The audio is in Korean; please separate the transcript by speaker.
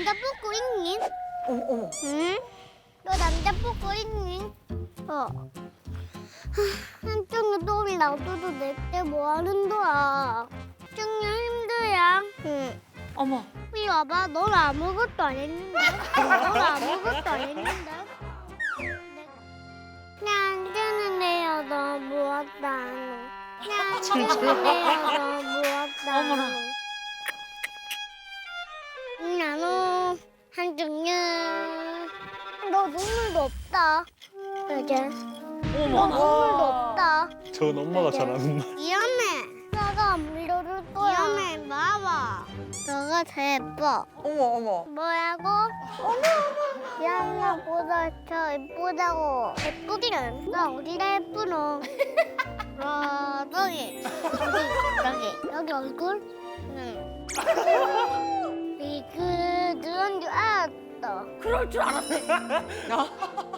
Speaker 1: 남자 뽑고 있니?
Speaker 2: 어머 어머.
Speaker 1: 응? 너 남자 뽑고 있니? 한쪽에 똥이 놔둬도 내때 뭐 하는 거야? 정말 힘들야. 응.
Speaker 2: 어머.
Speaker 1: 이리 와봐. 넌 아무것도 안 했는데. 넌 아무것도 안 했는데. 난 뜨는데요. 너 무엇도 안 해. 난 뜨는데요. 너 무엇도 안
Speaker 2: 어머나.
Speaker 1: 해. 나는 한쪽은 너 눈물도 없다. 맞아. 너
Speaker 2: 어머.
Speaker 1: 눈물도 없다.
Speaker 3: 전 엄마가 잘하는 말.
Speaker 1: 위험해. 너가 안 밀어줄 거야. 위험해. 봐봐. 너가 제일 예뻐.
Speaker 2: 어머 어머.
Speaker 1: 뭐라고? 양아보다 더 예쁘다고. 예쁘기는 나 어디가 예쁘노? 저기 여기 얼굴? 응. 그 누런 줄 알았어.
Speaker 2: 그럴 줄 알았네.